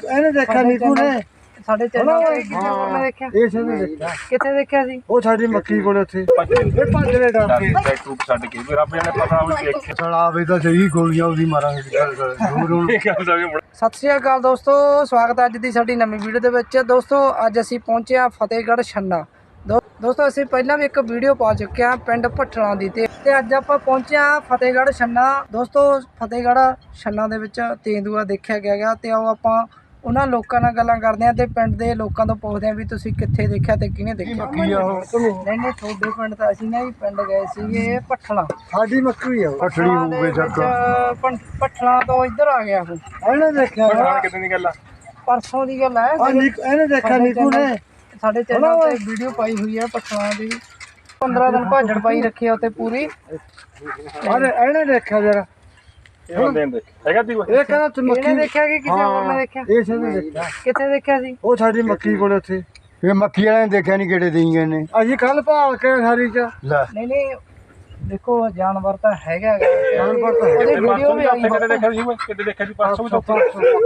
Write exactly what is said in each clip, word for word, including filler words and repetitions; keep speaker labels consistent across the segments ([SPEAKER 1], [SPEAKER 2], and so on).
[SPEAKER 1] ਇਹਨੇ ਦੇਖਿਆ ਨੀਕੂ ਨੇ
[SPEAKER 2] ਸਾਡੇ ਚੈਨਲ ਤੇ ਕਿਸੇ ਹੋਰ ਨੇ ਦੇਖਿਆ?
[SPEAKER 1] ਇਸ ਨੇ ਦੇਖਿਆ।
[SPEAKER 2] ਕਿੱਥੇ ਦੇਖਿਆ ਸੀ?
[SPEAKER 1] ਉਹ ਸਾਡੀ ਮੱਕੀ ਕੋਲ ਉੱਥੇ ਇਹ ਭੱਜ ਲੈ ਡਰ ਕੇ
[SPEAKER 3] ਟੂਪ ਛੱਡ ਕੇ ਵੀ ਰੱਬ ਜਾਣੇ ਪਤਾ ਉਹ ਦੇਖੇ
[SPEAKER 1] ਚਲਾਵੇ ਤਾਂ ਸਹੀ ਗੋਲੀਆਂ ਉਹਦੀ ਮਾਰਾਂਗੇ ਦੂਰ ਹੁਣ।
[SPEAKER 2] ਸਤਿ ਸ਼੍ਰੀ ਅਕਾਲ ਦੋਸਤੋ, ਸਵਾਗਤ ਹੈ ਅੱਜ ਦੀ ਸਾਡੀ ਨਵੀਂ ਵੀਡੀਓ ਦੇ ਵਿੱਚ। ਦੋਸਤੋ ਅੱਜ ਅਸੀਂ ਪਹੁੰਚੇ ਹਾਂ ਫਤਿਹਗੜ੍ਹ ਛੰਨਾ। ਦੋ ਦੋਸਤੋ ਅਸੀਂ ਪਹਿਲਾਂ ਵੀ ਇੱਕ ਵੀਡੀਓ ਪਾ ਚੁੱਕੇ ਹਾਂ ਪਿੰਡ ਭੱਠਲਾਂ ਦੀ, ਤੇ ਤੇ ਅੱਜ ਆਪਾਂ ਪਹੁੰਚੇ ਹਾਂ ਫਤਿਹਗੜ੍ਹ ਛੰਨਾ। ਦੋਸਤੋ ਫਤਿਹਗੜ੍ਹ ਛੰਨਾ ਦੇ ਵਿੱਚ ਤੇਂਦੂਆ ਦੇਖਿਆ ਗਿਆ ਗਾ, ਤੇ ਆਓ ਆਪਾਂ ਉਹਨਾਂ ਲੋਕਾਂ ਨਾਲ ਗੱਲਾਂ ਕਰਦੇ ਹਾਂ ਤੇ ਪਿੰਡ ਦੇ ਲੋਕਾਂ ਤੋਂ ਪੁੱਛਦੇ ਹਾਂ ਵੀ ਤੁਸੀਂ ਕਿੱਥੇ ਦੇਖਿਆ ਤੇ ਕਿਹਨੇ ਦੇਖਿਆ।
[SPEAKER 1] ਮੱਕੀ ਆ ਉਹ
[SPEAKER 2] ਨਹੀਂ ਨਹੀਂ ਤੁਹਾਡੇ ਪਿੰਡ ਤਾਂ ਅਸੀਂ ਨਾ ਵੀ ਪਿੰਡ ਗਏ ਸੀਗੇ ਭੱਠਲਾਂ।
[SPEAKER 1] ਸਾਡੀ ਮੱਕੀ ਆ
[SPEAKER 2] ਭੱਠਲੀ ਹੋਊਗੇ ਜੱਗ ਭੱਠਲਾਂ ਤੋਂ ਇੱਧਰ ਆ ਗਿਆ ਉਹ।
[SPEAKER 1] ਇਹਨੇ ਦੇਖਿਆ
[SPEAKER 3] ਕਿਤੇ ਦੀ ਗੱਲ ਆ,
[SPEAKER 2] ਪਰਸੋਂ ਦੀ ਗੱਲ ਹੈ।
[SPEAKER 1] ਇਹਨੇ ਦੇਖਿਆ ਨੀਕੂ ਨੇ
[SPEAKER 2] ਸਾਡੇ ਚੈਨਲ ਤੇ ਵੀਡੀਓ ਪਾਈ ਹੋਈ ਹੈ ਭੱਠਲਾਂ ਦੀ। ਪੰਦਰਾਂ ਦਿਨ ਭਾਜੜ ਪਾਈ ਰੱਖੀ ਆ ਉੱਥੇ ਪੂਰੀ।
[SPEAKER 1] ਅਰੇ ਇਹਨੇ ਦੇਖਿਆ ਜਰਾ
[SPEAKER 3] ਇਹ ਬੰਦੇ ਨੇ ਦੇਖਿਆ ਹੈਗਾ ਤੀ
[SPEAKER 1] ਇਹ ਕਹਿੰਦਾ ਤੂੰ ਮੱਕੀ
[SPEAKER 2] ਇਹਨੇ ਦੇਖਿਆ ਕਿ ਕਿਸੇ ਹੋਰ ਨੇ ਦੇਖਿਆ?
[SPEAKER 1] ਇਸ ਨੇ ਦੇਖਿਆ।
[SPEAKER 2] ਕਿੱਥੇ ਦੇਖਿਆ ਸੀ?
[SPEAKER 1] ਉਹ ਸਾਡੀ ਮੱਕੀ ਕੋਲ ਉੱਥੇ ਇਹ ਮੱਕੀ ਵਾਲਿਆਂ ਨੇ ਦੇਖਿਆ ਨਹੀਂ ਕਿਹੜੇ ਦੇਈਆਂ ਨੇ। ਅਸੀਂ ਕੱਲ ਭਾਲ ਕੇ ਸਾਰੀ ਚ ਲੈ
[SPEAKER 2] ਨਹੀਂ ਨਹੀਂ ਦੇਖੋ ਜਾਨਵਰ ਤਾਂ ਹੈਗਾ ਗਾ।
[SPEAKER 1] ਜਾਨਵਰ ਤਾਂ
[SPEAKER 2] ਉਹਦੀ ਵੀਡੀਓ ਵੀ ਆਈ
[SPEAKER 3] ਕਿਤੇ ਦੇਖਿਆ ਸੀ ਕਿਤੇ ਦੇਖਿਆ ਸੀ ਪਰਸੋਂ ਵੀ ਚੌਥਾ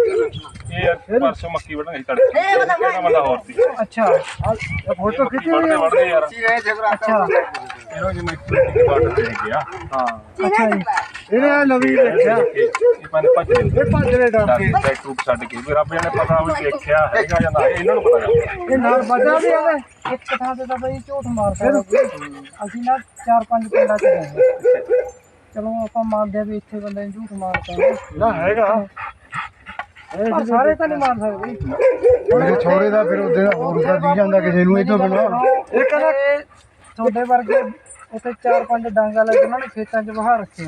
[SPEAKER 3] ਇਹ ਪਰਸੋਂ ਮੱਕੀ ਵੜਨਾ ਸੀ ਤੜਕੇ ਕਿਹੜਾ ਬੰਦਾ ਹੋਰ ਸੀ।
[SPEAKER 2] ਅੱਛਾ
[SPEAKER 1] ਫੋਟੋ ਖਿੱਚੀ
[SPEAKER 3] ਵੜਦੇ ਵੜਦੇ ਯਾਰ
[SPEAKER 2] ਅੱਛਾ
[SPEAKER 3] ਇਹੋ ਜਿਹੀ ਮੱਕੀ ਦੀ ਬਾਟ ਦੇ ਗਿਆ ਹਾਂ
[SPEAKER 2] ਅੱਛਾ ਜੀ।
[SPEAKER 1] ਇਹਨੇ ਆਹ ਨਵੀਂ ਦੇਖਿਆ
[SPEAKER 3] ਇਹ ਪੰਜ ਭੱਜ
[SPEAKER 1] ਇਹ ਭੱਜ ਲੈ ਡਰ ਕੇ
[SPEAKER 3] ਕੇ ਟੂਪ ਛੱਡ ਕੇ ਵੀ ਰੱਬ ਜਾਣੇ ਪਤਾ ਉਹ ਦੇਖਿਆ ਹੈਗਾ ਜਾਂ ਨਾ ਇਹਨਾਂ ਨੂੰ ਪਤਾ
[SPEAKER 1] ਇਹ ਨਾਲ ਵੱਡਾ ਵੀ ਆਵੇ।
[SPEAKER 2] ਇੱਕ ਥਾਂ ਤੇ ਤਾਂ ਬਈ ਝੂਠ ਮਾਰਦਾ ਕੋਈ। ਅਸੀਂ ਨਾ ਚਾਰ ਪੰਜ ਪਿੰਡਾਂ ਚ ਗਏ। ਚਲੋ ਆਪਾਂ ਮੰਨਦੇ ਆ ਵੀ ਇੱਥੇ ਬੰਦੇ ਨੇ ਝੂਠ ਮਾਰਦਾ
[SPEAKER 1] ਨਾ ਹੈਗਾ
[SPEAKER 2] ਪਰ ਸਾਰੇ ਤਾਂ ਨਹੀਂ ਮਾਰ ਸਕਦੇ।
[SPEAKER 1] ਮੇਰੇ ਛੋੜੇ ਦਾ ਫਿਰ ਉਹਦੇ ਦਾ ਹੋਰ ਦਾ ਦੀ ਜਾਂਦਾ ਕਿਸੇ ਨੂੰ ਇਹ ਤੋਂ ਬਿਨਾਂ।
[SPEAKER 2] ਇਹ ਕਹਿੰਦਾ ਤੁਹਾਡੇ ਵਰਗੇ ਉੱਥੇ ਚਾਰ ਪੰਜ ਡਾਂਗਾ ਲੈ ਕੇ ਉਹਨਾਂ ਨੇ ਖੇਤਾਂ 'ਚ ਵਹਾ ਰੱਖਿਆ।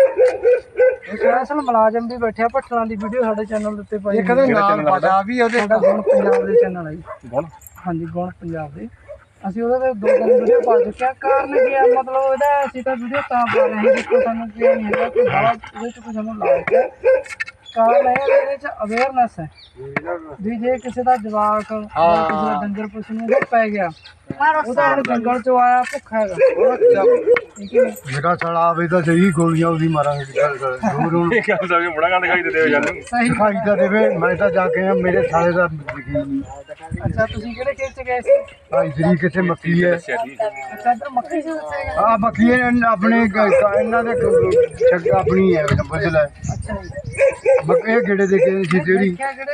[SPEAKER 2] ਇੱਕ ਅਸਲ ਮੁਲਾਜ਼ਮ ਵੀ ਬੈਠਿਆ ਭੱਠਲਾਂ ਦੀ ਵੀਡੀਓ ਸਾਡੇ ਚੈਨਲ ਦੇ ਉੱਤੇ ਪਾਈ।
[SPEAKER 1] ਇਹ ਕਹਿੰਦੇ ਨਾਲ ਵੱਡਾ ਵੀ ਉਹਦੇ
[SPEAKER 2] ਸਾਡਾ ਗੁਣ ਪੰਜਾਬ ਦੇ ਚੈਨਲ ਹੈ ਜੀ।
[SPEAKER 3] ਗੁਣ
[SPEAKER 2] ਹਾਂਜੀ ਗੁਣ ਪੰਜਾਬ ਦੇ। ਅਸੀਂ ਉਹਦੇ ਤੇ ਦੋ ਤਿੰਨ ਵੀਡੀਓ ਪਾ ਚੁੱਕੇ ਹਾਂ। ਕਾਰਨ ਕੀ ਆ, ਮਤਲਬ ਇਹਦਾ ਅਸੀਂ ਤਾਂ ਵੀਡੀਓ ਤਾਂ ਪਾ ਰਹੇ ਹਾਂ ਦੇਖੋ ਸਾਨੂੰ ਕੀ ਨਹੀਂ ਹੈਗਾ ਕਿ ਬਾਹਰ ਇਹਦੇ 'ਚ ਕੁਝ ਸਾਨੂੰ ਲਾਇਕ ਹੈ। ਕਾਰਨ ਇਹ ਹੈ ਇਹਦੇ 'ਚ ਅਵੇਅਰਨੈਸ ਹੈ ਵੀ ਜੇ ਕਿਸੇ ਦਾ ਜਵਾਕ ਜਾਂ ਕਿਸੇ ਦਾ ਡੰਗਰ ਪਸ਼ੂ ਨੂੰ ਉਹ ਪੈ ਗਿਆ, ਉਹ ਤਾਂ ਹੁਣ ਜੰਗਲ 'ਚੋਂ ਆਇਆ ਭੁੱਖਾ ਹੈਗਾ, ਠੀਕ ਹੈ।
[SPEAKER 1] ਜਿਹੜਾ ਚਲਾਵੇ ਤਾਂ ਸਹੀ ਗੋਲੀਆਂ ਉਹਦੀ ਮਾਰਾਂਗੇ ਦੂਰ ਹੁਣ।
[SPEAKER 3] ਇਹ ਗੱਲ ਸਾਡੀ ਬੜਾ ਗੰਦ ਖਾਈ ਦਿੰਦੇ ਹੋ ਜਾਨੂੰ
[SPEAKER 2] ਸਹੀ
[SPEAKER 1] ਦਿਖਾਈ ਤਾਂ ਦੇਵੇ। ਮੈਂ ਤਾਂ ਜਾ ਕੇ ਆ ਮੇਰੇ ਸਾਲੇ ਦਾ ਯਕੀਨ ਨਹੀਂ।
[SPEAKER 2] ਅੱਛਾ ਤੁਸੀਂ ਕਿਹੜੇ ਖੇਤ 'ਚ ਗਏ ਸੀ?
[SPEAKER 1] ਆ ਇਧਰੀ ਕਿੱਥੇ ਮੱਕੀ ਹੈ।
[SPEAKER 3] ਦੱਸਿਆ ਸੀ
[SPEAKER 2] ਅੱਛਾ ਇੱਧਰ ਮੱਕੀ ਸੀ ਦੱਸਿਆ।
[SPEAKER 1] ਆ ਮੱਕੀ ਇਹ ਆਪਣੇ ਗ- ਇਹਨਾਂ ਦੇ ਛੱਗ ਆਪਣੀ ਹੈ ਫਸਲ ਹੈ।
[SPEAKER 2] ਅੱਛਾ ਜੀ।
[SPEAKER 1] ਮੱਕੀ ਇਹ ਗੇੜੇ ਦੇ ਕੇ ਸੀ ਤੇਰੀ
[SPEAKER 2] ਦੇਖਿਆ ਕਿਹੜੇ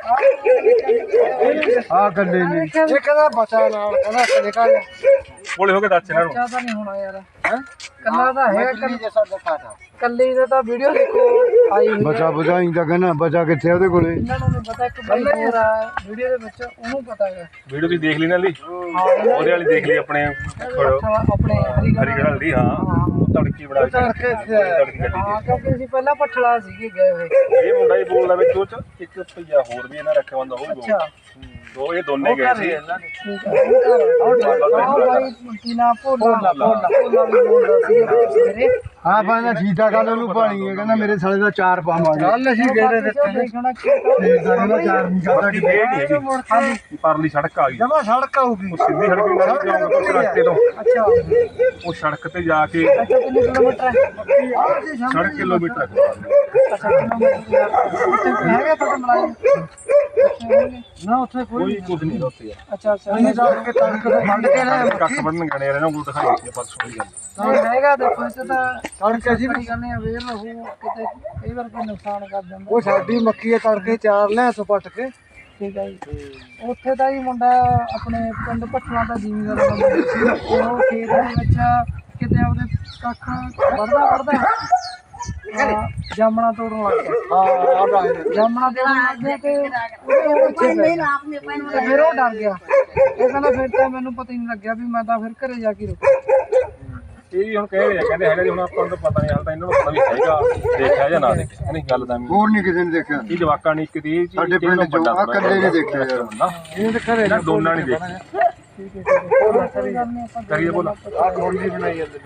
[SPEAKER 2] ਨੇ?
[SPEAKER 1] ਆ ਗੱਲੇ ਨੇ। ਇਹ ਕਹਿੰਦਾ ਬਚਾ ਨਾਲ ਕਹਿੰਦਾ ਕਦੇ ਕਾ
[SPEAKER 3] ਬੋਲੇ ਹੋ ਕੇ ਦੱਸ ਇਹਨਾਂ ਨੂੰ
[SPEAKER 2] ਬੱਚਾ ਤਾਂ ਨਹੀਂ ਹੋਣਾ ਯਾਰ। ਹੈ ਕੱਲਾ ਤਾਂ ਹੈ ਕੱਲ-
[SPEAKER 1] ਜੈਸਾ ਦਿਖਾਤਾ
[SPEAKER 2] ਕੱਲੀ ਦਾ ਤਾਂ ਵੀਡੀਓ ਦੇਖੋ ਆਈ ਹੋਈ ਹੈ।
[SPEAKER 1] ਬਚਾ ਬਚਾਈ ਤਾਂ ਕਹਿੰਦਾ ਬਚਾ ਕਿੱਥੇ ਉਹਦੇ ਕੋਲੇ।
[SPEAKER 2] ਇਹਨਾਂ ਨੂੰ ਨਹੀਂ ਪਤਾ ਕਿ ਬਾਈ ਹੋਰ ਆ ਵੀਡੀਓ ਦੇ ਵਿੱਚ, ਉਹਨੂੰ ਪਤਾ ਹੈ।
[SPEAKER 3] ਵੀਡੀਓ ਤੁਸੀਂ ਦੇਖ ਲਈ ਨਾ ਲਈ
[SPEAKER 2] ਹਾਂ ਇਹਨਾਂ
[SPEAKER 3] ਉਹਦੇ ਵਾਲੀ ਦੇਖ ਲਈ ਆਪਣੇ
[SPEAKER 2] ਅੱਛਾ ਆਪਣੇ ਹਰੀਗੜ੍ਹ
[SPEAKER 3] ਹਰੀਗੜ੍ਹ ਵਾਲੀ ਹਾਂ ਉਹ ਤੜਕੀ ਬੜਾ
[SPEAKER 1] ਤੜਕੇ ਇੱਥੇ ਆਇਆ।
[SPEAKER 3] ਤੜਕੀ ਗੱਡੀ
[SPEAKER 2] ਹਾਂ ਕਿਉਂਕਿ ਅਸੀਂ ਪਹਿਲਾਂ ਭੱਠਲਾ ਸੀਗੇ ਗਏ ਹੋਏ।
[SPEAKER 3] ਇਹ ਮੁੰਡਾ ਹੀ ਬੋਲਦਾ ਵਿੱਚ ਉਹ ਚ ਇੱਕ ਭਈਆ ਹੋਰ ਵੀ ਇਹਨਾਂ ਰੱਖਿਆ ਬੰਦਾ ਉਹ ਵੀ
[SPEAKER 2] ਅੱਛਾ
[SPEAKER 3] ਬੋਲਦਾ। ਦੋ ਇਹ ਦੋਨੇ ਗਏ ਸੀ
[SPEAKER 2] ਠੀਕ ਹੈ। ਆਹ ਬਾਈ ਕੀ ਨਾ ਭੋਲਾ ਭੋਲਾ ਭੋਲਾ ਵੀ ਬੋਲਦਾ ਸੀਗਾ ਸਵੇਰੇ।
[SPEAKER 1] ਹਾਂ ਬੰਦਾ ਸੀਤਾ ਗੱਲ ਉਹਨੂੰ ਪਾਣੀ ਹੈ ਕਹਿੰਦਾ ਮੇਰੇ ਸਾਲੇ ਦਾ ਚਾਰ ਪਾਵਾਂਗੇ। ਕੱਲ ਅਸੀਂ ਗੇੜੇ ਦਿੱਤੇ ਨੇ
[SPEAKER 2] ਦੇਖਣਾ ਕੀ
[SPEAKER 1] ਤੇ ਸਾਡੇ ਨਾਲ ਚਾਰ ਨਹੀਂ ਕਰਦਾ
[SPEAKER 3] ਸਾਡੀ ਵੇਟ ਨਹੀਂ ਹੈਗੀ ਪਰਲੀ ਸੜਕ ਆ ਗਈ
[SPEAKER 1] ਜਮਾ ਸੜਕ ਆਊਗੀ।
[SPEAKER 3] ਉਹ ਸਿੱਧੀ ਸੜਕ ਨਹੀਂ ਲੱਗ ਜਾਊਗਾ ਉਸ ਰਸਤੇ ਤੋਂ
[SPEAKER 2] ਅੱਛਾ
[SPEAKER 3] ਉਹ ਸੜਕ ਤੇ ਜਾ ਕੇ
[SPEAKER 2] ਅੱਛਾ ਕਿੰਨੇ ਕਿਲੋਮੀਟਰ ਹੈ?
[SPEAKER 3] ਸੜਕ ਕਿਲੋਮੀਟਰ ਹੈ।
[SPEAKER 2] ਅੱਛਾ ਕਿਲੋਮੀਟਰ ਉੱਥੇ ਕੋਈ ਹੈਗਾ ਤੁਹਾਡਾ ਮੁਲਾਜ਼ਮ? ਅੱਛਾ ਹੈਗੇ।
[SPEAKER 1] ਨਾ ਉੱਥੇ ਕੋਈ
[SPEAKER 3] ਕੋਈ ਕੁਝ ਨਹੀਂ ਉੱਥੇ ਯਾਰ
[SPEAKER 2] ਅੱਛਾ ਅੱਛਾ
[SPEAKER 1] ਅਸੀਂ ਜਾ ਕੇ ਤੜਕ ਤੋਂ ਫੰਡ ਕੇ ਲੈ
[SPEAKER 3] ਕੱਖ ਬੰਨਣ ਗਣੇ ਇਹਨਾਂ ਨੂੰ ਦਿਖਾਈ ਸੀ ਪਰਸੋਂ ਦੀ ਗੱਲ
[SPEAKER 2] ਨਹੀਂ ਹੈਗਾ ਦੇਖੋ ਇੱਥੇ ਤਾਂ
[SPEAKER 1] ਤੜਕੇ ਅਸੀਂ
[SPEAKER 2] ਬੜੀ ਗੱਲ ਨਹੀਂ ਅਵੇਅਰ ਰਹੋ ਕਿਤੇ ਕਈ ਵਾਰ ਕੋਈ ਨੁਕਸਾਨ ਕਰ ਦਿੰਦਾ।
[SPEAKER 1] ਉਹ ਸਾਡੀ ਮੱਕੀ ਹੈ ਤੜਕੇ ਚਾਰ ਲੈ ਸੋ ਪੱਟ ਕੇ।
[SPEAKER 2] ਠੀਕ ਹੈ ਜੀ। ਉੱਥੇ ਦਾ ਹੀ ਮੁੰਡਾ ਆਪਣੇ ਪਿੰਡ ਭੱਠਲਾਂ ਦਾ ਜ਼ਿਮੀਂਦਾਰ ਬੰਦਾ ਸੀ। ਉਹ ਖੇਤ ਦੇ ਵਿੱਚ ਕਿਤੇ ਉਹਦੇ ਕੱਖ ਵੜਦਾ ਵੜਦਾ ਹਾਂ, ਜਾਮਣਾ ਤੋੜਨ ਲੱਗ ਗਿਆ।
[SPEAKER 1] ਹਾਂ ਆ ਬਾਹਰ
[SPEAKER 2] ਜਾਮਣਾ ਤੋੜਨ ਲੱਗ ਗਿਆ ਤੇ ਉਹਦੇ ਪਿੱਛੇ ਪੈ ਗਿਆ। ਤੇ ਫਿਰ ਉਹ ਡਰ ਗਿਆ। ਉਹ ਕਹਿੰਦਾ ਫਿਰ ਤਾਂ ਮੈਨੂੰ ਪਤਾ ਹੀ ਨਹੀਂ ਲੱਗਿਆ ਵੀ ਮੈਂ ਤਾਂ ਫਿਰ ਘਰੇ ਜਾ ਕੇ ਰੁਕਿਆ।
[SPEAKER 3] ਇਹ ਵੀ ਹੁਣ ਕਹਿ ਰਹੇ ਆ ਕਹਿੰਦੇ ਹੈਗਾ ਜੀ ਹੁਣ ਆਪਾਂ ਨੂੰ ਤਾਂ ਪਤਾ ਨਹੀਂ ਹਾਲ ਤਾਂ ਇਹਨਾਂ ਨੂੰ ਪਤਾ ਵੀ ਹੈਗਾ ਦੇਖਿਆ ਜਾਂ ਨਾ ਦੇਖਿਆ ਨਹੀਂ ਗੱਲ ਦਾ
[SPEAKER 1] ਹੋਰ ਨਹੀਂ ਕਿਸੇ ਨੇ ਦੇਖਿਆ।
[SPEAKER 3] ਇਹ ਜਵਾਕਾਂ ਨੇ ਕਿਤੇ ਇਹ
[SPEAKER 1] ਸਾਡੇ ਪਿੰਡ ਚੋਂ ਆ ਕੱਲੇ ਨੇ ਦੇਖਿਆ ਯਾਰ।
[SPEAKER 3] ਇਹ ਤਾਂ ਘਰੇ ਨਾ ਦੋਨਾਂ ਨਹੀਂ ਦੇਖਿਆ
[SPEAKER 2] ਠੀਕ ਹੈ ਠੀਕ ਹੈ ਕੋਈ ਗੱਲ ਨਹੀਂ ਆਪਾਂ
[SPEAKER 3] ਕਰੀਏ ਬੋਲਾ
[SPEAKER 1] ਆ ਗੋਲੀ ਬਣਾਈ ਜਾਂਦੇ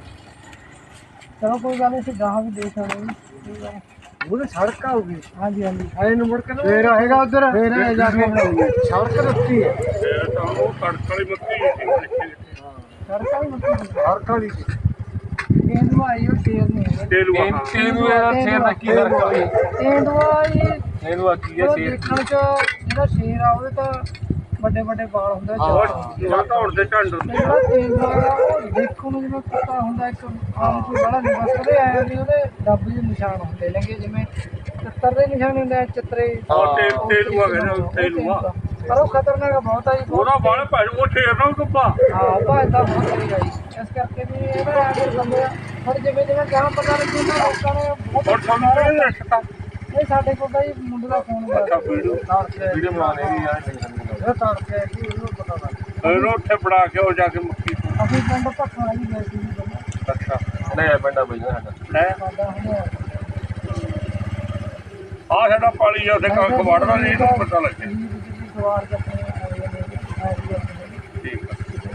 [SPEAKER 2] ਚਲੋ ਕੋਈ ਗੱਲ ਨਹੀਂ ਅਸੀਂ ਗਾਹਾਂ ਵੀ ਦੇਖ ਆਵਾਂਗੇ। ਠੀਕ ਹੈ
[SPEAKER 1] ਉਹਦੇ ਸੜਕ ਆਊਗੀ।
[SPEAKER 2] ਹਾਂਜੀ ਹਾਂਜੀ
[SPEAKER 1] ਆਏ ਨੂੰ ਮੁੜ ਕੇ ਫੇਰ ਆਏਗਾ ਉਧਰ ਫੇਰ ਆ ਜਾ ਕੇ ਬਣਾਉਂਗੇ। ਸੜਕ ਰੱਤੀ ਹੈ
[SPEAKER 3] ਉਹ ਕੜਕ ਵਾਲੀ ਮੱਕੀ
[SPEAKER 2] ਸੜਕਾਂ ਵੀ ਮੱਕੀ ਦੀ
[SPEAKER 1] ਸੜਕ ਵਾਲੀ
[SPEAKER 2] ਤੇਂਦੂਆ ਆਈ ਉਹ ਸ਼ੇਰ ਨਹੀਂ ਹੈਗਾ।
[SPEAKER 3] ਤੇਲੂਆ ਤੇਲੂਆ ਦਾ ਸ਼ੇਰ ਦਾ ਕੀ ਫਰਕ ਆ
[SPEAKER 2] ਤੇਂਦੂਆ ਇਹ
[SPEAKER 3] ਇਹਨੂੰ ਆਖੀ ਹੈ
[SPEAKER 2] ਉਹ
[SPEAKER 3] ਸ਼ੇਰ
[SPEAKER 2] ਦੇਖਣ ਚ ਜਿਹੜਾ ਸ਼ੇਰ ਆ ਉਹਦੇ ਤਾਂ ਵੱਡੇ ਵੱਡੇ ਵਾਲ ਹੁੰਦੇ
[SPEAKER 3] ਉਹ ਧੌਣ ਦੇ ਢੰਡ
[SPEAKER 2] ਜਿਹੜਾ ਤੇਂਦੂਆ ਆ ਉਹ ਦੇਖਣ ਨੂੰ ਜਿਵੇਂ ਪਤਾ ਹੁੰਦਾ ਇੱਕ ਆਮ ਕੋਈ ਬੜਾ ਨਹੀਂ ਬਸ ਉਹਦੇ ਆਇਆ ਵੀ ਉਹਦੇ ਡੱਬ ਦੇ ਨਿਸ਼ਾਨ ਹੁੰਦੇ ਨੇਗੇ ਜਿਵੇਂ ਚਿੱਤਰ ਦੇ ਨਿਸ਼ਾਨ ਹੁੰਦੇ ਆ ਚਿੱਤਰੇ
[SPEAKER 3] ਤੇਲੂਆ ਕਹਿੰਦੇ ਤੇਲੂਆ
[SPEAKER 2] ਪਰ ਉਹ ਖਤਰਨਾਕ ਬਹੁਤ ਆ ਜੀ
[SPEAKER 3] ਉਹਦਾ ਵਾਲ ਭੈਣ ਉਹ ਸ਼ੇਰ ਨਾ ਕੁੱਪਾ
[SPEAKER 2] ਹਾਂ ਭਾਜਦਾ ਬਹੁਤ ਤੇਜ਼ ਆ ਜੀ ਇਸ ਕਰਕੇ ਵੀ ਇਹਦਾ ਆ ਕੇ ਬੰਦੇ ਪਰ ਜਿਵੇਂ ਜਿਵੇਂ ਗਾਂ ਪਤਾ ਲੱਗੇ ਨਾ ਲੋਕਾਂ ਨੇ ਬਹੁਤ
[SPEAKER 3] ਹੁਣ ਤੁਹਾਨੂੰ ਕਿਹਨੇ ਦੱਸਤਾ
[SPEAKER 2] ਇਹ ਸਾਡੇ ਕੋਲ ਤਾਂ ਜੀ ਮੁੰਡੇ ਦਾ ਫੋਨ
[SPEAKER 3] ਅੱਛਾ
[SPEAKER 2] ਗਿਆ
[SPEAKER 3] ਵੀਡੀਓ ਵੀਡੀਓ ਬਣਾਉਣੇ ਵੀ ਯਾਰ
[SPEAKER 2] ਇਹ ਤਾਰ ਕੇ ਕਿ ਉਹਨੂੰ ਪਤਾ ਲੱਗ
[SPEAKER 3] ਇਹਨੂੰ ਉੱਥੇ ਬਣਾ ਕੇ ਉਹ ਜਾ ਕੇ ਮੁੱਕੀ
[SPEAKER 2] ਅਸੀਂ ਪਿੰਡ ਭੱਖਣਾ ਜੀ ਗਏ ਸੀ ਜੀ ਪਹਿਲਾਂ
[SPEAKER 3] ਅੱਛਾ ਨਹੀਂ ਪਿੰਡਾ ਬਈ ਸਾਡਾ ਹੈ
[SPEAKER 2] ਸਾਡਾ ਹੁਣ
[SPEAKER 3] ਆ ਸਾਡਾ ਪਾਲੀ ਆ ਉੱਥੇ ਕੱਖ ਵੜਦਾ ਨਹੀਂ ਇਹਨੂੰ ਪਤਾ ਲੱਗੇ
[SPEAKER 2] ਸਵਾਰ ਕੇ ਆਪਣੇ ਆਏ ਨੇ
[SPEAKER 3] ਠੀਕ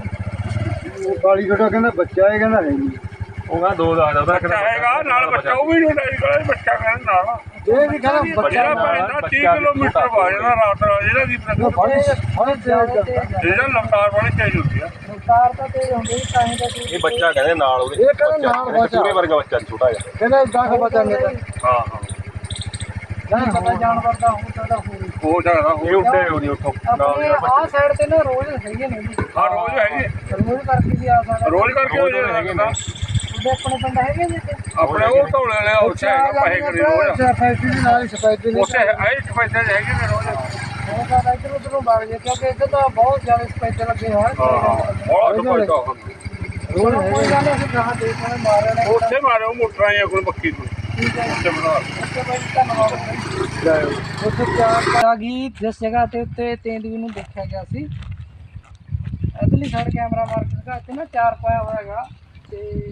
[SPEAKER 1] ਉਹ ਕਾਲੀ ਛੋਟਾ ਕਹਿੰਦਾ ਬੱਚਾ ਹੈ ਕਹਿੰਦਾ ਹੈ ਨਹੀਂ
[SPEAKER 3] ਉਹ ਕਹਿੰਦਾ ਦੋ ਦਾ ਆਦਾ
[SPEAKER 2] अच्छा
[SPEAKER 3] ਬੱਚਾ ਹੈਗਾ ਨਾਲ ਬੱਚਾ ਉਹ ਵੀ ਨਹੀਂ ਨਹੀਂ ਕੋਲੇ ਬੱਚਾ ਕਹਿੰਦਾ ਨਾਲ
[SPEAKER 1] ਇਹ ਵੀ ਕਹਿੰਦਾ ਬੱਚਾ
[SPEAKER 3] ਜਿਹੜਾ ਪੈਂਦਾ ਤੀਹ ਕਿਲੋਮੀਟਰ ਵਾ ਜਾਂਦਾ ਰਾਤ ਨਾਲ ਜਿਹੜਾ ਦੀ
[SPEAKER 1] ਉਹ ਬੜੀ ਬੜੀ ਤੇਜ਼ ਆ।
[SPEAKER 3] ਜਿਹੜਾ ਲੰਕਾਰ ਵਾਲੀ ਤੇਜ਼ ਹੁੰਦੀ ਆ
[SPEAKER 2] ਕਾਰ ਤਾਂ ਤੇਜ਼ ਹੁੰਦੀ ਤਾਂ ਹੀ ਤਾਂ
[SPEAKER 3] ਇਹ ਬੱਚਾ ਕਹਿੰਦੇ ਨਾਲ ਉਹਦੇ
[SPEAKER 1] ਇਹ ਕਹਿੰਦਾ ਨਾਲ ਬੱਚਾ।
[SPEAKER 3] ਪੂਰੇ ਵਰਗਾ ਬੱਚਾ ਛੋਟਾ ਜਿਹਾ
[SPEAKER 1] ਕਹਿੰਦਾ ਇਦਾਂ ਦਾ ਬੱਚਾ ਨਹੀਂ
[SPEAKER 3] ਹਾਂ ਹਾਂ
[SPEAKER 2] ਨਹੀਂ ਪਤਾ ਜਾਨਵਰ ਦਾ ਹੋ ਸਕਦਾ ਹੋਵੇ
[SPEAKER 3] ਹੋ ਸਕਦਾ ਇਹ ਉੱਤੇ ਉਹਦੀ ਉੱਥੋਂ
[SPEAKER 2] ਆਪਣੇ ਆਹ ਸਾਈਡ ਤੇ ਨਾ ਰੋਜ਼ ਹੈਗੇ ਨੇ ਜੀ
[SPEAKER 3] ਹਾਂ ਰੋਜ਼ ਹੈਗੇ
[SPEAKER 2] ਰੋਜ਼ ਕਰਕੇ ਵੀ ਆ ਸਕਦਾ
[SPEAKER 3] ਰੋਜ਼ ਕਰਕੇ ਹੋ ਜਾਏ ਹੈਗੇ ਨਾ
[SPEAKER 2] ਉਹਦੇ ਆਪਣੇ ਪਿੰਡ ਹੈਗੇ ਜੀ ਇੱਥੇ?
[SPEAKER 3] ਆਪਣੇ ਉਹ ਢੋਲੇ ਵਾਲੇ ਉੱਥੇ ਹੈਗਾ ਪੈਸੇ ਕਰੀ ਰੋਜ਼
[SPEAKER 1] ਸਫੈਦੀ ਦੇ ਨਾਲ ਸਫੈਦੀ ਦੇ
[SPEAKER 3] ਉੱਥੇ ਆਏ ਪੈਸੇ ਹੈਗੇ ਨੇ ਰੋਜ਼
[SPEAKER 2] ਉਹ ਕਹਿੰਦਾ ਇੱਧਰ ਉੱਧਰੋਂ ਵਗ ਜੇ ਕਿਉਂਕਿ ਇੱਧਰ ਤਾਂ ਬਹੁਤ ਜ਼ਿਆਦਾ ਸਪੈਸ਼ਲ ਲੱਗੇ ਹੋਏ
[SPEAKER 3] ਹਾਂ ਬੜਾ ਦੁਪੱਟਾ
[SPEAKER 2] ਚਲੋ ਕੋਈ ਗੱਲ ਨਹੀਂ ਅਸੀਂ ਕਹਾਂ ਦੇਖ ਕੇ ਮਾਰਿਆ ਨੇ
[SPEAKER 3] ਉੱਥੇ ਮਾਰਿਓ ਮੋਟਰਾਂ ਜਾਂ ਕੋਈ ਬੱਕੀ ਨੂੰ
[SPEAKER 2] ਠੀਕ ਹੈ
[SPEAKER 3] ਉੱਥੇ ਬਣਾ
[SPEAKER 2] ਓਕੇ ਬਾਈ ਧੰਨਵਾਦ ਬਾਈ। ਉੱਥੇ ਚਾਰ ਆ ਗਈ ਜਿਸ ਜਗ੍ਹਾ ਤੇ ਉੱਤੇ ਤੇਂਦੂਏ ਨੂੰ ਦੇਖਿਆ ਗਿਆ ਸੀ ਇਧਰਲੀ ਸਾਈਡ ਕੈਮਰਾ ਮਾਰ ਕੇ ਦਿਖਾ ਇੱਥੇ ਨਾ ਚਾਰ ਪਾਇਆ ਹੋਇਆ ਹੈਗਾ ਤੇ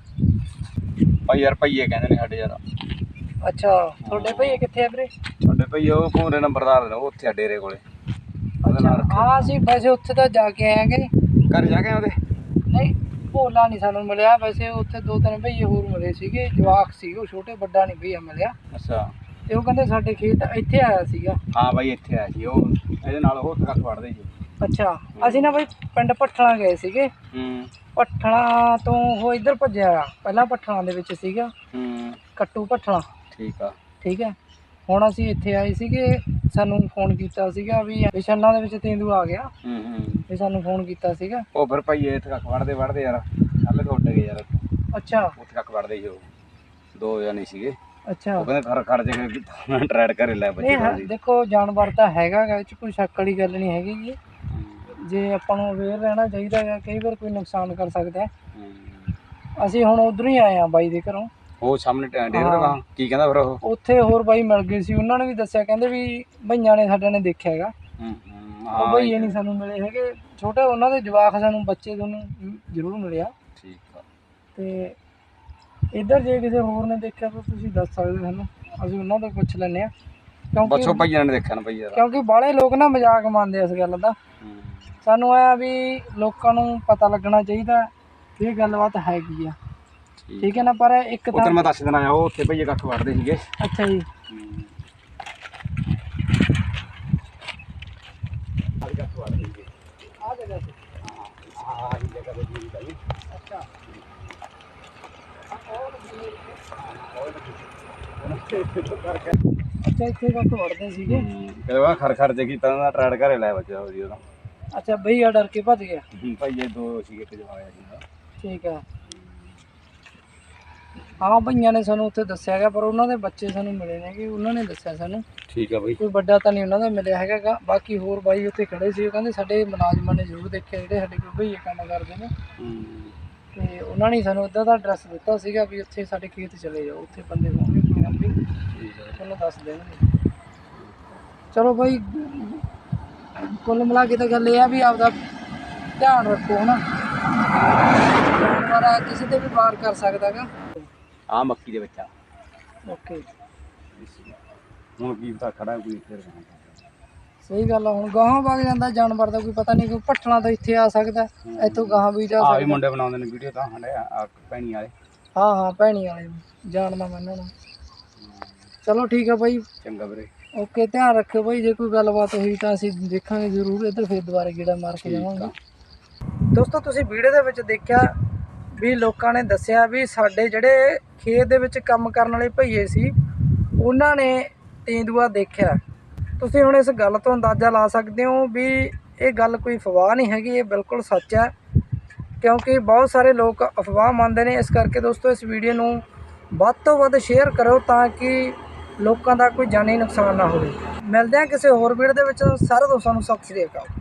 [SPEAKER 4] ਭਾਈ ਯਾਰ ਭਈਏ ਕਹਿੰਦੇ ਨੇ ਸਾਡੇ ਯਾਰ
[SPEAKER 2] ਅੱਛਾ ਤੁਹਾਡੇ ਭਈਏ ਕਿੱਥੇ ਆ ਵੀਰੇ
[SPEAKER 4] ਸਾਡੇ ਭਈਏ ਉਹ ਪੂਰੇ ਨੰਬਰਦਾਰ ਨੇ ਉਹ ਉੱਥੇ ਆ ਡੇਰੇ ਕੋਲੇ ਉਹਦੇ ਨਾਲ
[SPEAKER 2] ਅੱਛਾ ਹਾਂ ਅਸੀਂ ਵੈਸੇ ਉੱਥੇ ਤਾਂ ਜਾ ਕੇ ਆਏਗੇ
[SPEAKER 4] ਘਰ ਜਾ ਕੇ ਉਹਦੇ
[SPEAKER 2] ਨਹੀਂ ਭੋਲਾ ਨਹੀਂ ਸਾਨੂੰ ਮਿਲਿਆ ਵੈਸੇ ਉੱਥੇ ਦੋ ਤਿੰਨ ਭਈਏ ਹੋਰ ਮਿਲੇ ਸੀਗੇ ਜਵਾਕ ਸੀ ਉਹ ਛੋਟੇ ਵੱਡਾ ਨਹੀਂ ਭਈਆ ਮਿਲਿਆ
[SPEAKER 4] ਅੱਛਾ
[SPEAKER 2] ਤੇ ਉਹ ਕਹਿੰਦੇ ਸਾਡੇ ਖੇਤ ਇੱਥੇ ਆਇਆ ਸੀਗਾ
[SPEAKER 4] ਹਾਂ ਭਾਈ ਇੱਥੇ ਆਇਆ ਸੀ ਉਹ ਇਹਦੇ ਨਾਲ ਉਹ ਕੱਖ ਵੜਦੇ ਸੀ
[SPEAKER 2] ਅੱਛਾ ਅਸੀਂ ਨਾ ਬਈ ਪਿੰਡ ਭੱਠਣਾ ਗਏ ਸੀਗੇ
[SPEAKER 4] ਹੂੰ
[SPEAKER 2] ਭੱਠਣਾ ਤੋਂ ਉਹ ਇੱਧਰ ਭੱਜਿਆ ਆ ਪਹਿਲਾਂ ਭੱਠਣਾ ਦੇ ਵਿੱਚ ਸੀਗਾ
[SPEAKER 4] ਹੂੰ
[SPEAKER 2] ਕੱਟੂ ਭੱਠਣਾ
[SPEAKER 4] ਠੀਕ ਆ
[SPEAKER 2] ਠੀਕ ਹੈ ਹੁਣ ਅਸੀਂ ਇੱਥੇ ਆਏ ਸੀਗੇ ਸਾਨੂੰ ਫੋਨ ਕੀਤਾ ਸੀਗਾ ਵੀ ਛੰਨਾ ਦੇ ਵਿੱਚ ਤੇਂਦੂ ਆ ਗਿਆ
[SPEAKER 4] ਹੂੰ ਹੂੰ
[SPEAKER 2] ਵੀ ਸਾਨੂੰ ਫੋਨ ਕੀਤਾ ਸੀਗਾ
[SPEAKER 4] ਉਹ ਫਿਰ ਭਈਏ ਇੱਥੇ ਕੱਖ ਵੜਦੇ ਵੜਦੇ ਯਾਰ ਕੱਲ ਤੋਂ ਉੱਡ ਗਏ ਯਾਰ
[SPEAKER 2] ਅੱਛਾ
[SPEAKER 4] ਉੱਥੇ ਕੱਖ ਵੜਦੇ ਸੀ ਉਹ ਦੋ ਜਣੇ ਸੀਗੇ
[SPEAKER 2] ਅੱਛਾ
[SPEAKER 4] ਉਹ ਕਹਿੰਦੇ ਖੜ ਖੜ ਜੇ ਮੈਂ ਟਰੈਡ ਘਰੇ ਲੈ ਬੱਚੇ
[SPEAKER 2] ਨਹੀਂ ਹਾਂ,
[SPEAKER 4] ਬਾਜੀ
[SPEAKER 2] ਦੇਖੋ ਜਾਨਵਰ ਤਾਂ ਹੈਗਾ ਗਾ, ਇਹ 'ਚ ਕੋਈ ਸ਼ੱਕ ਵਾਲੀ ਗੱਲ ਨਹੀਂ ਹੈਗੀ ਜੀ ਜੇ ਆਪਾਂ ਨੂੰ ਅਵੇਅਰ ਰਹਿਣਾ ਚਾਹੀਦਾ ਹੈ ਕਈ ਵਾਰ ਕੋਈ ਨੁਕਸਾਨ ਕਰ ਸਕਦਾ ਹੈ ਅਸੀਂ ਹੁਣ ਉਧਰੋਂ ਹੀ ਆਏ ਆ ਬਾਈ ਦੇ ਘਰੋਂ
[SPEAKER 4] ਉਹ ਸਾਹਮਣੇ ਡੇਰੇ ਦਾ ਕਾਂ ਕੀ ਕਹਿੰਦਾ ਫਿਰ ਉਹ
[SPEAKER 2] ਉੱਥੇ ਹੋਰ ਬਾਈ ਮਿਲ ਗਏ ਸੀ ਉਹਨਾਂ ਨੇ ਵੀ ਦੱਸਿਆ ਕਹਿੰਦੇ ਵੀ ਭਈਆਂ ਨੇ ਸਾਡੇ ਨੇ ਦੇਖਿਆ ਹੈਗਾ
[SPEAKER 4] ਹੂੰ ਹੂੰ
[SPEAKER 2] ਉਹ ਭਈਏ ਨਹੀਂ ਸਾਨੂੰ ਮਿਲੇ ਹੈਗੇ ਛੋਟੇ ਉਹਨਾਂ ਦੇ ਜਵਾਕ ਸਾਨੂੰ ਬੱਚੇ ਦੋਨੋਂ ਜ਼ਰੂਰ ਮਿਲਿਆ
[SPEAKER 4] ਠੀਕ ਆ
[SPEAKER 2] ਤੇ ਇੱਧਰ ਜੇ ਕਿਸੇ ਹੋਰ ਨੇ ਦੇਖਿਆ ਤਾਂ ਤੁਸੀਂ ਦੱਸ ਸਕਦੇ ਹੋ ਸਾਨੂੰ ਅਸੀਂ ਉਹਨਾਂ ਤੋਂ ਪੁੱਛ ਲੈਂਦੇ ਹਾਂ
[SPEAKER 4] ਬਸ ਉਹ
[SPEAKER 2] ਕਿਉਂਕਿ
[SPEAKER 4] ਭਈਆਂ ਨੇ ਦੇਖਿਆ ਨਾ ਭਈ ਯਾਰ
[SPEAKER 2] ਕਿਉਂਕਿ ਬਾਹਲੇ ਲੋਕ ਨਾ ਮਜ਼ਾਕ ਮੰਨਦੇ ਇਸ ਗੱਲ ਦਾ
[SPEAKER 4] ਹੂੰ
[SPEAKER 2] ਸਾਨੂੰ ਐ ਵੀ ਲੋਕਾਂ ਨੂੰ ਪਤਾ ਲੱਗਣਾ ਚਾਹੀਦਾ ਕਿ ਇਹ ਗੱਲਬਾਤ ਹੈਗੀ ਆ ਠੀਕ ਹੈ ਨਾ ਪਰ ਇੱਕ
[SPEAKER 4] ਉੱਧਰ
[SPEAKER 2] ਤਾਂ
[SPEAKER 4] ਮੈਂ ਦੱਸ ਦੇਣਾ ਆ ਉਹ ਉੱਥੇ ਭਈਏ ਕੱਖ ਵੜਦੇ ਸੀਗੇ
[SPEAKER 2] ਅੱਛਾ ਜੀ ਆ ਜਗ੍ਹਾ ਤੇ ਅੱਛਾ ਅੱਛਾ ਇੱਥੇ ਕੱਖ ਵੜਦੇ ਸੀਗੇ
[SPEAKER 4] ਕਹਿੰਦਾ ਖਰ ਖਰ ਜੇ ਕੀਤਾ ਨਾ ਟਰੈਡ ਘਰੇ ਲੈ ਬੱਚਾ ਉਹਦੀ ਉਹਦਾ
[SPEAKER 2] ਅੱਛਾ ਭਈਆ ਡਰ ਕੇ ਭੱਜ ਗਿਆ
[SPEAKER 4] ਭਈਏ ਦੋ ਸੀਗੇ ਇੱਕ ਜਵਾਇਆ ਸੀ
[SPEAKER 2] ਠੀਕ ਹੈ ਹਾਂ ਭਈਆਂ ਨੇ ਸਾਨੂੰ ਉੱਥੇ ਦੱਸਿਆ ਗਿਆ ਪਰ ਉਹਨਾਂ ਦੇ ਬੱਚੇ ਸਾਨੂੰ ਮਿਲੇ ਨੇ ਕਿ ਉਹਨਾਂ ਨੇ ਦੱਸਿਆ ਸਾਨੂੰ
[SPEAKER 4] ਠੀਕ ਆ ਬਈ
[SPEAKER 2] ਕੋਈ ਵੱਡਾ ਤਾਂ ਨਹੀਂ ਉਹਨਾਂ ਦਾ ਮਿਲਿਆ ਹੈਗਾ ਗਾ। ਬਾਕੀ ਹੋਰ ਬਾਈ ਉੱਥੇ ਖੜੇ ਸੀ ਉਹ ਕਹਿੰਦੇ ਸਾਡੇ ਮੁਲਾਜ਼ਮਾਂ ਨੇ ਜ਼ਰੂਰ ਦੇਖਿਆ ਜਿਹੜੇ ਸਾਡੇ ਕੋਲ ਭਈਏ ਕੰਮ ਕਰਦੇ ਨੇ ਤੇ ਉਹਨਾਂ ਨੇ ਸਾਨੂੰ ਇੱਦਾਂ ਦਾ ਐਡਰੈਸ ਦਿੱਤਾ ਸੀਗਾ ਵੀ ਉੱਥੇ ਸਾਡੇ ਖੇਤ ਚਲੇ ਜਾਓ ਉੱਥੇ ਬੰਦੇ ਹੋਣਗੇ ਕੋਈ ਨਾ ਕੋਈ ਤੁਹਾਨੂੰ ਦੱਸ ਦੇਣਗੇ ਚਲੋ ਬਾਈ ਕੁੱਲ ਮਿਲਾ ਕੇ ਤਾਂ ਗੱਲ ਇਹ ਆ ਵੀ ਆਪਦਾ ਧਿਆਨ ਰੱਖੋ ਹਨਾ ਜਾਨਵਰ ਕਿਸੇ ਤੇ ਵੀ ਵਾਰ ਕਰ ਸਕਦਾ ਗਾ
[SPEAKER 4] ਆ ਮੱਕੀ ਦੇ ਬੱਚਾ
[SPEAKER 2] ਓਕੇ
[SPEAKER 4] ਹੁਣ ਕੀ ਪਤਾ ਖੜਾ ਕੋਈ ਫਿਰ
[SPEAKER 2] ਸਹੀ ਗੱਲ ਆ ਹੁਣ ਗਾਹਾਂ ਵਗ ਜਾਂਦਾ ਜਾਨਵਰ ਦਾ ਕੋਈ ਪਤਾ ਨਹੀਂ ਕੋਈ ਭੱਠਣਾ ਤਾਂ ਇੱਥੇ ਆ ਸਕਦਾ ਇੱਥੋਂ ਗਾਹਾਂ ਵੀ ਜਾ
[SPEAKER 4] ਆ ਵੀ
[SPEAKER 2] ਸਕਦਾ
[SPEAKER 4] ਮੁੰਡੇ ਬਣਾਉਂਦੇ ਨੇ ਵੀਡੀਓ ਤਾਂ ਹੰਡੇ ਆ ਪੈਣੀ ਵਾਲੇ
[SPEAKER 2] ਹਾਂ ਹਾਂ ਭੈਣੀ ਵਾਲੇ ਜਾਣਦਾ ਮੈਂ ਇਹਨਾਂ ਨੂੰ ਚਲੋ ਠੀਕ ਆ ਬਾਈ
[SPEAKER 4] ਚੰਗਾ ਵੀਰੇ
[SPEAKER 2] ਓਕੇ ਧਿਆਨ ਰੱਖਿਓ ਬਾਈ ਜੇ ਕੋਈ ਗੱਲਬਾਤ ਹੋਈ ਤਾਂ ਅਸੀਂ ਦੇਖਾਂਗੇ ਜ਼ਰੂਰ ਇੱਧਰ ਫਿਰ ਦੁਬਾਰਾ ਗੇੜਾ ਮਾਰ ਕੇ ਜਾਵਾਂਗੇ ਦੋਸਤੋ ਤੁਸੀਂ ਵੀਡੀਓ ਦੇ ਵਿੱਚ ਦੇਖਿਆ ਵੀ ਲੋਕਾਂ ਨੇ ਦੱਸਿਆ ਵੀ ਸਾਡੇ ਜਿਹੜੇ ਖੇਤ ਦੇ ਵਿੱਚ ਕੰਮ ਕਰਨ ਵਾਲੇ ਭਈਏ ਸੀ ਉਹਨਾਂ ਨੇ ਤੇਂਦੂਆ ਦੇਖਿਆ। ਤੁਸੀਂ ਹੁਣ ਇਸ ਗੱਲ ਤੋਂ ਅੰਦਾਜ਼ਾ ਲਾ ਸਕਦੇ ਹੋ ਵੀ ਇਹ ਗੱਲ ਕੋਈ ਅਫਵਾਹ ਨਹੀਂ ਹੈਗੀ, ਇਹ ਬਿਲਕੁਲ ਸੱਚ ਹੈ, ਕਿਉਂਕਿ ਬਹੁਤ ਸਾਰੇ ਲੋਕ ਅਫਵਾਹ ਮੰਨਦੇ ਨੇ। ਇਸ ਕਰਕੇ ਦੋਸਤੋ ਇਸ ਵੀਡੀਓ ਨੂੰ ਵੱਧ ਤੋਂ ਵੱਧ ਸ਼ੇਅਰ ਕਰੋ ਤਾਂ ਕਿ ਲੋਕਾਂ ਦਾ ਕੋਈ ਜਾਨੀ ਨੁਕਸਾਨ ਨਾ ਹੋਵੇ। ਮਿਲਦੇ ਹਾਂ ਕਿਸੇ ਹੋਰ ਵੀਡੀਓ ਦੇ ਵਿੱਚ। ਸਾਰੇ ਦੋਸਤਾਂ ਨੂੰ ਸਤਿ ਸ੍ਰੀ ਅਕਾਲ।